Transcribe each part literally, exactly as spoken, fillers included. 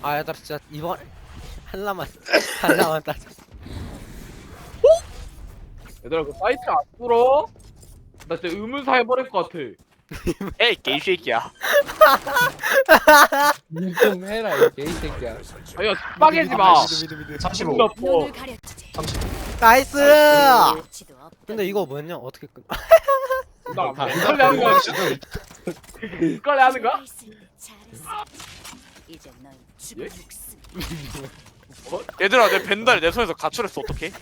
아 얘들아 진짜 이번 한라만 한라만 따자. 얘들아 그 사이트 안 뚫어? 나 진짜 의문사 해버릴 것 같아. 에이 개새끼야. 좀 해라 이 개새끼야. 아야 빠개지 마. 미드 미드 미드. 삼십오. 존나 뭐. 눈을 가려주지. 나이스. 가치도 없다. 근데 이거 뭐냐 어떻게 끝? 나 헷갈려 하는 거야. 헷갈려 하는 거야? 잘했어. 이제 넌 죽을 예? 목숨. 얘들아 내 벤달 내 손에서 가출했어 어떡해?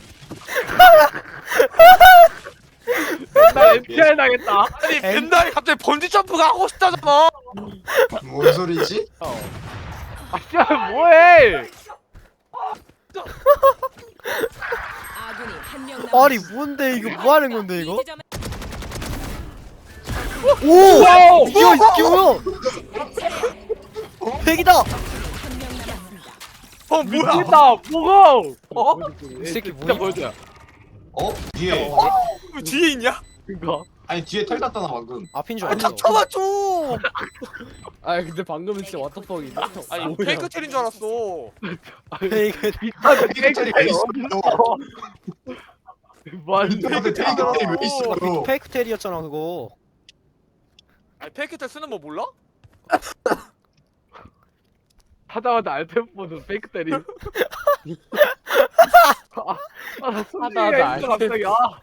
나 엠피알 당했다. 아니 벤달이 갑자기 번지 점프가 하고 싶다잖아. 뭔 소리지? 아 진짜 뭐해? 아군이 한명 남았어. 아니 뭔데 이거 뭐 하는 건데 이거? 이 지점에 오! 와우! 이거 이게 뭐야? 백이다. 한명 남았습니다. 어 뭐야? 미친다 뭐고? 어? 이 새끼 진짜 뭐야? 보여줘야. 어? 뒤에. 왜 뒤에 있냐? 그니까. 아니 뒤에 털 땄잖아 방금. 앞인 줄 아 알았어. 닥쳐봐줘. 아 근데 방금은 진짜 왓더펑이네. 아니 페이크 텔인 줄 알았어. 페이크. 미쳤네. 테이크텔이 왜 있어? 뭐하는 근데 테이크텔이 왜 있어? 페이크 텔이었잖아 그거. 아니 페이크 텔 쓰는 거 몰라? 하다하다 알펜보드 페이크 때리. 아, 아, 나 하다하다 하다하다 갑자기 아.